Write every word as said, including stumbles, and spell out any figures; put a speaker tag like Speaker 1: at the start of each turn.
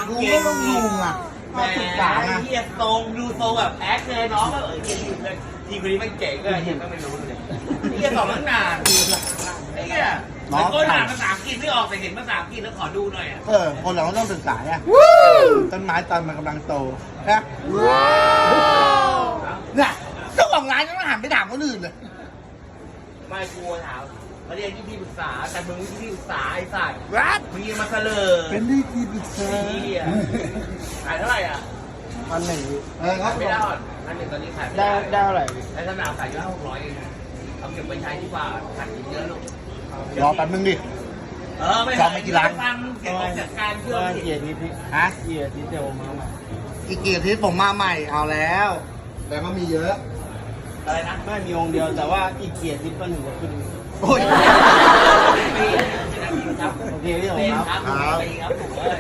Speaker 1: ดูก็ต้องลุงอ่ะ
Speaker 2: แหม
Speaker 1: มาศึกษาไง
Speaker 2: เฮียทรงดูทรงแบบแอคเลยน้องก็เออเฮียทีมเลยทีมคนนี้มันเก่งก็เฮียก็ไม่รู้เลยเฮียสอนตั้งนานไอ้เฮียมันก็อ่านภาษาอังกฤษไม่ออกแต่เห็นภาษาอังกฤษแล้วขอดูหน่อยอ่ะ
Speaker 1: เออคนเราก็ต้องศึกษาเนี่ยต้นไม้ตอนมันกำลังโตนะเนี่ยเจ้าของร้านยังไม่หันไปถามคนอื่นเลย
Speaker 2: ไม่กลัวถามมาเรียนที่ที่ปรึกษาแต่มึงที่ที่ปรึกษาไอ้สัตว์
Speaker 1: รัด
Speaker 2: มึงยังมาเสลอ
Speaker 1: เป็นได้ที่ปรึกษา
Speaker 2: เฮียขายเท่าไหร่อ่ะ
Speaker 3: พันหนึ่ง
Speaker 1: เออครั
Speaker 2: ขา
Speaker 1: บ
Speaker 2: ยไม่ได้หรอกอันหนึ่งตอนนี้ขายไม่
Speaker 3: ได้
Speaker 2: ได้
Speaker 3: ได้เท่าไหร่
Speaker 2: ในสนามขายอยู่ห้าหกร้อยเองเอาเก็บไปใช้ดีกว่าขายเยอะลูก
Speaker 1: รอแป๊บนึงดิ
Speaker 2: เออไม่
Speaker 1: จองไปกี่ร้าน
Speaker 2: ฟังเสียงของจัดการเชื่อ
Speaker 3: ก็
Speaker 2: ม
Speaker 3: เกียรติพิษ
Speaker 1: ฮะ
Speaker 3: เกียรติเดียวมาใหม่
Speaker 1: อีกกี่อาทิตย์ผมมาใหม่เอาแล้ว แต่ก็มีเยอะ
Speaker 2: อะไรนะ
Speaker 3: ไม่มีองค์เดียวแต่ว่าอีกเกียรติพิษก็หนึ่งกว่าขึ้น
Speaker 1: โอ้ย
Speaker 2: ปีครับ
Speaker 3: โอเคพี่
Speaker 2: ปี
Speaker 3: ผม
Speaker 2: ค
Speaker 3: ค
Speaker 2: รั
Speaker 3: รั
Speaker 2: บบ ปีครับผมเออ